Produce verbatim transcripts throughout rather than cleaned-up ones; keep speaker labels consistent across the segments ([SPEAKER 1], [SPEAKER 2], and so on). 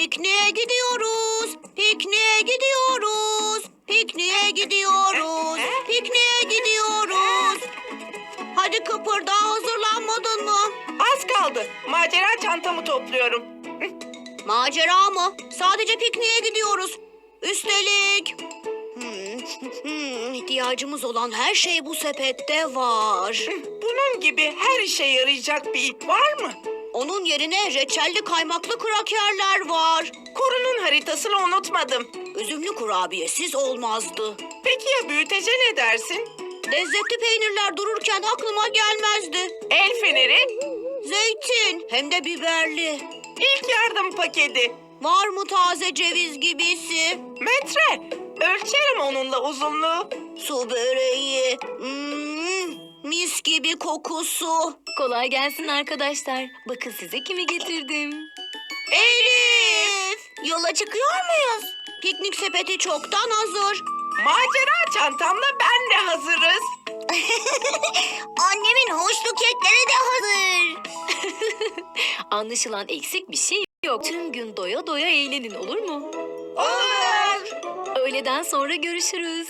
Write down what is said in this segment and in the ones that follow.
[SPEAKER 1] Pikniğe gidiyoruz, pikniğe gidiyoruz, pikniğe gidiyoruz, pikniğe gidiyoruz. Hadi kıpırda, hazırlanmadın mı?
[SPEAKER 2] Az kaldı. Macera çantamı topluyorum.
[SPEAKER 1] Macera mı? Sadece pikniğe gidiyoruz. Üstelik... Hmm, hmm, ihtiyacımız olan her şey bu sepette var.
[SPEAKER 2] Bunun gibi her işe yarayacak bir ip var mı?
[SPEAKER 1] Onun yerine reçelli kaymaklı krakerler var.
[SPEAKER 2] Korunun haritasını unutmadım.
[SPEAKER 1] Üzümlü kurabiyesiz olmazdı.
[SPEAKER 2] Peki ya büyütece ne dersin?
[SPEAKER 1] Lezzetli peynirler dururken aklıma gelmezdi.
[SPEAKER 2] El feneri,
[SPEAKER 1] Zeytin, hem de biberli.
[SPEAKER 2] ilk yardım paketi,
[SPEAKER 1] Var mı taze ceviz gibisi?
[SPEAKER 2] metre. Ölçerim onunla uzunluğu.
[SPEAKER 1] Su böreği. Hmm, mis gibi kokusu.
[SPEAKER 3] Kolay gelsin arkadaşlar. Bakın size kimi getirdim.
[SPEAKER 1] Elif! Yola çıkıyor muyuz? Piknik sepeti çoktan hazır.
[SPEAKER 2] Macera çantamla ben de hazırız.
[SPEAKER 1] Annemin hoşlu kekleri de hazır.
[SPEAKER 3] Anlaşılan eksik bir şey yok. Tüm gün doya doya eğlenin, olur mu?
[SPEAKER 2] Olur.
[SPEAKER 3] Öğleden sonra görüşürüz.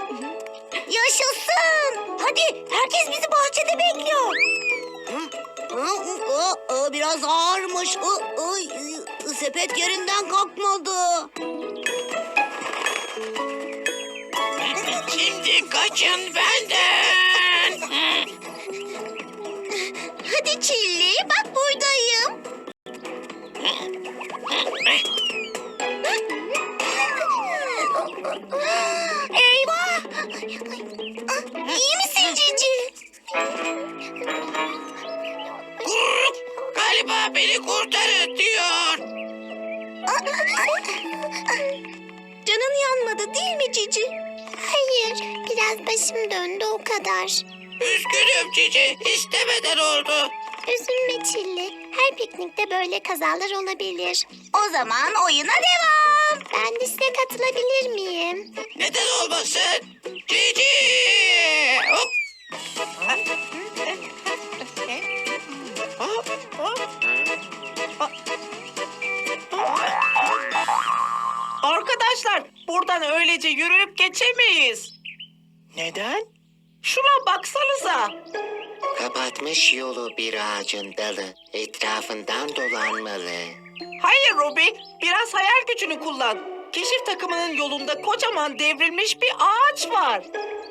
[SPEAKER 1] Yaşasın! Hadi, herkes bizi bahçede bekliyor. Biraz ağırmış. Ay, sepet yerinden kalkmadı.
[SPEAKER 2] Şimdi kaçın benden.
[SPEAKER 1] Hadi Çilli, bak buradayım. Eyvah! İyi misin Cici?
[SPEAKER 2] Galiba beni kurtarın diyor.
[SPEAKER 1] Canın yanmadı değil mi Cici? Hayır, biraz başım döndü o kadar.
[SPEAKER 2] Üzgünüm Cici, istemeden oldu.
[SPEAKER 1] Üzülme Çilli. Her piknikte böyle kazalar olabilir. O zaman oyuna devam. Ben de size katılabilir miyim?
[SPEAKER 2] Neden olmasın? Cici! Hop! Arkadaşlar, buradan öylece yürüyüp geçemeyiz. Neden? Şuna baksanıza.
[SPEAKER 4] Kapatmış yolu bir ağacın dalı. Etrafından dolanmalı.
[SPEAKER 2] Hayır Robi, biraz hayal gücünü kullan. Keşif takımının yolunda kocaman devrilmiş bir ağaç var.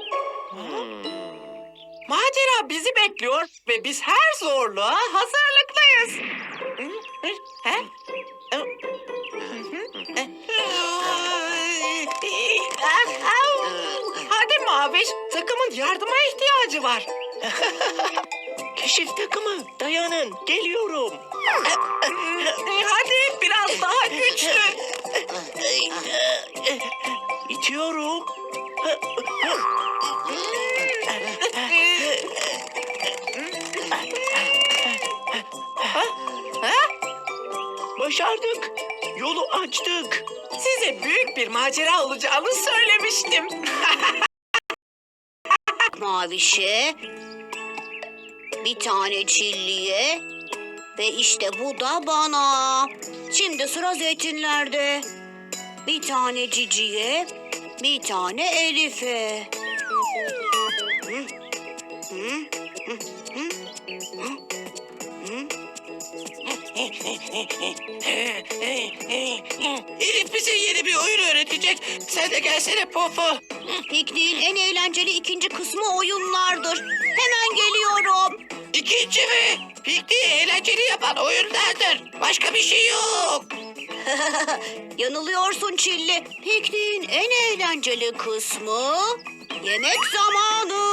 [SPEAKER 2] Macera bizi bekliyor ve biz her zorluğa hazırlıklıyız. He? Hadi Maviş, takımın yardıma ihtiyacı var.
[SPEAKER 4] Keşif takımı dayanın geliyorum.
[SPEAKER 2] Hadi biraz daha güçlü.
[SPEAKER 4] İtiyorum. Başardık. Yolu açtık.
[SPEAKER 2] Size büyük bir macera olacağını söylemiştim.
[SPEAKER 1] Mavişe, bir tane Çilli'ye ve işte bu da bana. Şimdi sıra zeytinlerde. Bir tane Cici'ye, bir tane Elif'e. Hı? Hı? Hı? Hı? Hı? Hı?
[SPEAKER 2] Elif bize yeni bir oyun öğretecek. Sen de gelsene Popo.
[SPEAKER 1] Pikniğin en eğlenceli ikinci kısmı oyunlardır. Hemen geliyorum.
[SPEAKER 2] İkinci mi? Pikniği eğlenceli yapan oyunlardır. Başka bir şey yok.
[SPEAKER 1] Yanılıyorsun Çilli. Pikniğin en eğlenceli kısmı yemek zamanı.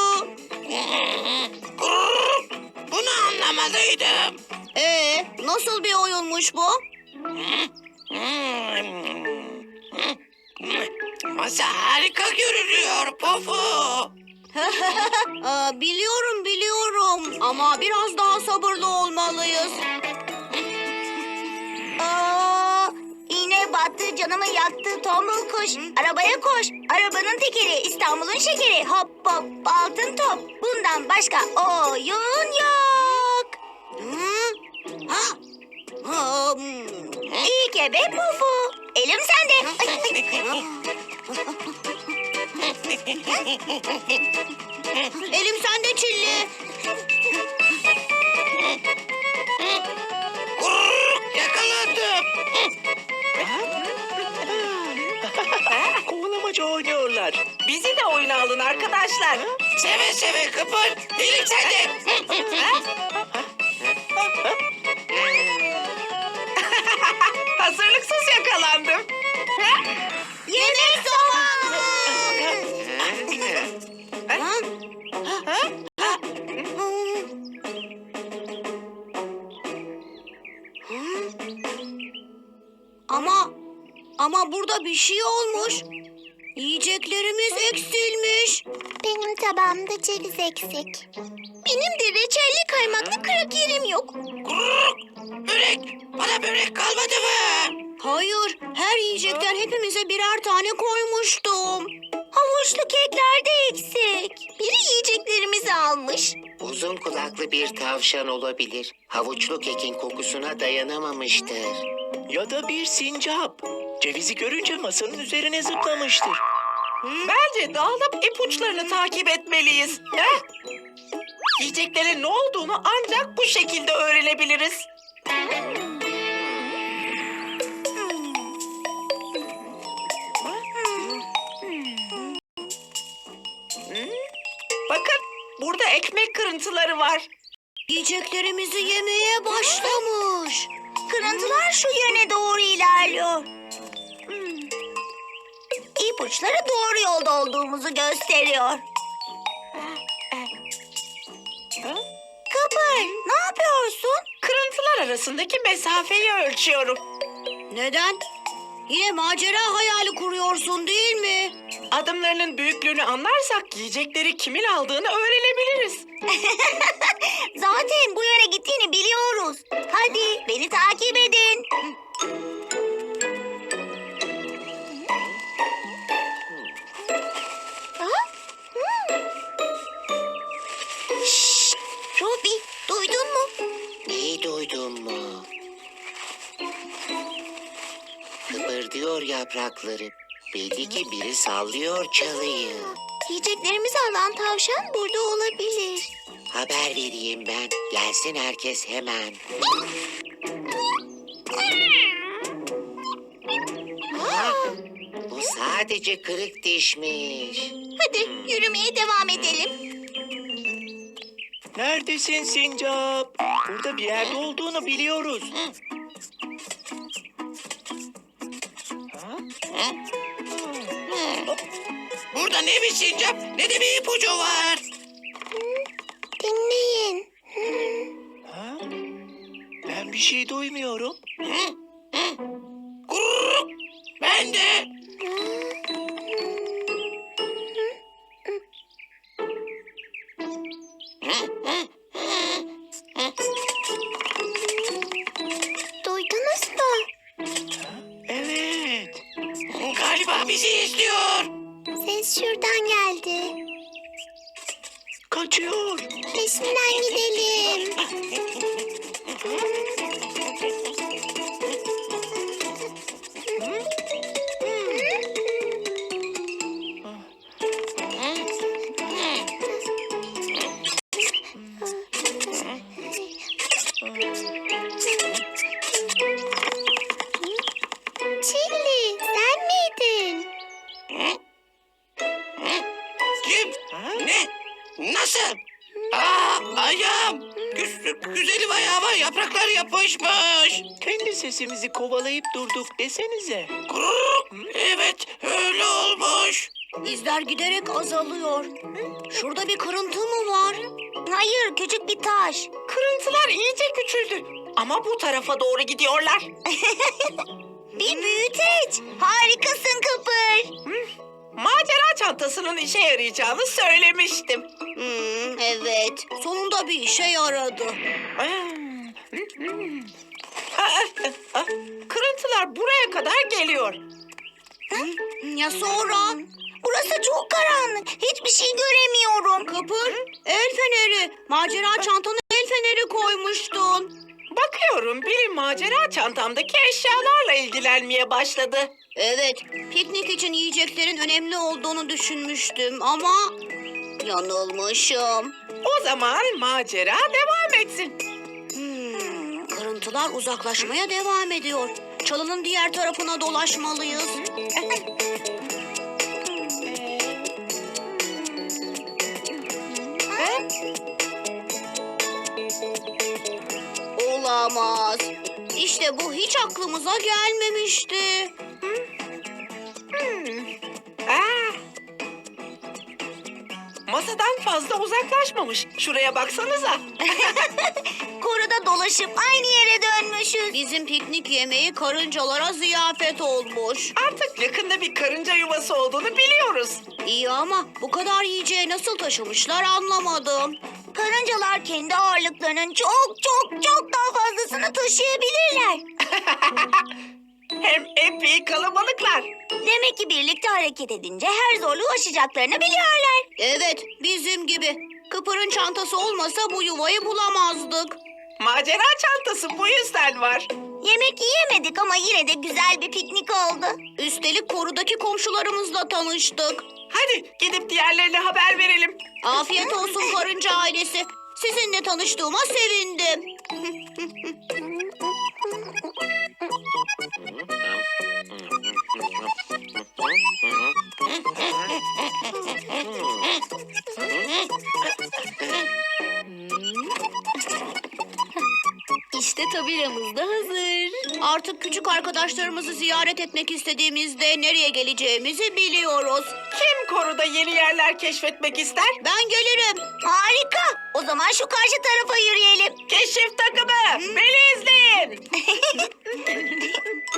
[SPEAKER 2] Bunu anlamalıydım.
[SPEAKER 1] Ee, nasıl bir oyunmuş bu?
[SPEAKER 2] Masa harika görünüyor Popo.
[SPEAKER 1] Aa, biliyorum biliyorum ama biraz daha sabırlı olmalıyız. Aa, iğne battı, canımı yaktı tombul kuş. Arabaya koş, arabanın tekeri, İstanbul'un şekeri. Hop hop altın top, bundan başka oyun yok. Hı? Ha? Hmm. İlk Sirke ve pufu. Elim sende. Elim sende Çilli.
[SPEAKER 4] Yakaladım. Kovalamaca oynuyorlar.
[SPEAKER 2] Bizi de oyuna alın arkadaşlar.
[SPEAKER 4] Seve seve Kıpır. Elim sende.
[SPEAKER 2] Hazırlıksız yakalandım.
[SPEAKER 1] Yemek zamanı. Ama ama burada bir şey olmuş. Yiyeceklerimiz eksilmiş. Benim tabağımda ceviz eksik. Benim de reçelli kaymaklı kırık yerim yok.
[SPEAKER 4] Börek. Bana börek kalmadı mı?
[SPEAKER 1] Hayır, her yiyecekten hepimize birer tane koymuştum. Havuçlu kekler de eksik. Biri yiyeceklerimizi almış.
[SPEAKER 4] Uzun kulaklı bir tavşan olabilir. Havuçlu kekin kokusuna dayanamamıştır. Ya da bir sincap. Cevizi görünce masanın üzerine zıplamıştır.
[SPEAKER 2] Bence dağılıp ipuçlarını takip etmeliyiz. Heh. Yiyeceklerin ne olduğunu ancak bu şekilde öğrenebiliriz. Bakın, burada ekmek kırıntıları var.
[SPEAKER 1] Yiyeceklerimizi yemeye başlamış. Kırıntılar şu yöne doğru ilerliyor. Hmm. İpuçları doğru yolda olduğumuzu gösteriyor. Kıpır, ne yapıyorsun?
[SPEAKER 2] Kırıntılar arasındaki mesafeyi ölçüyorum.
[SPEAKER 1] Neden? Yine macera hayali kuruyorsun değil mi?
[SPEAKER 2] Adımlarının büyüklüğünü anlarsak yiyecekleri kimin aldığını öğrenebiliriz.
[SPEAKER 1] Zaten bu yöne gittiğini biliyoruz. Hadi beni takip edin. Şşş, Robi, duydun mu?
[SPEAKER 4] Neyi duydun mu? Kıpırdıyor yaprakları. Belli ki biri sallıyor çalıyı.
[SPEAKER 1] Yiyeceklerimizi alan tavşan burada olabilir.
[SPEAKER 4] Haber vereyim ben. Gelsin herkes hemen. Bu sadece kırık dişmiş.
[SPEAKER 1] Hadi yürümeye devam edelim.
[SPEAKER 4] Neredesin sincap? Burada bir yerde olduğunu biliyoruz. Burada ne bir sincap ne de bir ipucu var.
[SPEAKER 1] Dinleyin.
[SPEAKER 4] Ha? Ben bir şey duymuyorum. Kurr! Ben de.
[SPEAKER 1] Duydunuz mu?
[SPEAKER 4] Evet. Galiba bizi izliyor.
[SPEAKER 1] Ses şuradan geldi.
[SPEAKER 4] Kaçıyor.
[SPEAKER 1] Peşinden gidelim. Çilli, sen miydin?
[SPEAKER 4] Kim? Ne? Nasıl? Aa, ayağım. Güz- güzelim ayağıma yapraklar yapışmış. Kendi sesimizi kovalayıp durduk desenize. Evet, öyle olmuş.
[SPEAKER 1] İzler giderek azalıyor. Şurada bir kırıntı mı var? Hayır, küçük bir taş.
[SPEAKER 2] Kırıntılar iyice küçüldü. Ama bu tarafa doğru gidiyorlar.
[SPEAKER 1] Bir büyüteç. Harikasın Kıpır.
[SPEAKER 2] Macera çantasının işe yarayacağını söylemiştim.
[SPEAKER 1] Hmm, evet, sonunda bir işe yaradı.
[SPEAKER 2] Kırıntılar buraya kadar geliyor.
[SPEAKER 1] Ya sonra? Burası çok karanlık. Hiçbir şey göremiyorum. Kıpır, el feneri. Macera çantana el feneri koymuştun.
[SPEAKER 2] Bakıyorum. Bakıyorum biri macera çantamdaki eşyalarla ilgilenmeye başladı.
[SPEAKER 1] Evet, piknik için yiyeceklerin önemli olduğunu düşünmüştüm ama yanılmışım.
[SPEAKER 2] O zaman macera devam etsin.
[SPEAKER 1] Hmm, kırıntılar uzaklaşmaya devam ediyor. Çalının diğer tarafına dolaşmalıyız. Olamaz. İşte bu hiç aklımıza gelmemişti.
[SPEAKER 2] Aa! Masadan fazla uzaklaşmamış. Şuraya baksanıza.
[SPEAKER 1] Koruda dolaşıp aynı yere dönmüşüz. Bizim piknik yemeği karıncalara ziyafet olmuş.
[SPEAKER 2] Artık yakında bir karınca yuvası olduğunu biliyoruz.
[SPEAKER 1] İyi ama bu kadar yiyeceği nasıl taşımışlar anlamadım. Karıncalar kendi ağırlıklarının çok çok çok daha fazlasını taşıyabilirler.
[SPEAKER 2] Hem epey kalabalıklar.
[SPEAKER 1] Demek ki birlikte hareket edince her zorluğu aşacaklarını biliyorlar. Evet, bizim gibi. Kıpır'ın çantası olmasa bu yuvayı bulamazdık.
[SPEAKER 2] Macera çantası bu yüzden var.
[SPEAKER 1] Yemek yiyemedik ama yine de güzel bir piknik oldu. Üstelik korudaki komşularımızla tanıştık.
[SPEAKER 2] Hadi gidip diğerlerine haber verelim.
[SPEAKER 1] Afiyet olsun karınca ailesi. Sizinle tanıştığıma sevindim.
[SPEAKER 3] İşte tabelamız da hazır.
[SPEAKER 1] Artık küçük arkadaşlarımızı ziyaret etmek istediğimizde nereye geleceğimizi biliyoruz.
[SPEAKER 2] Kim koruda yeni yerler keşfetmek ister?
[SPEAKER 1] Ben gelirim. Harika. O zaman şu karşı tarafa yürüyelim.
[SPEAKER 2] Keşif takımı, beni izleyin.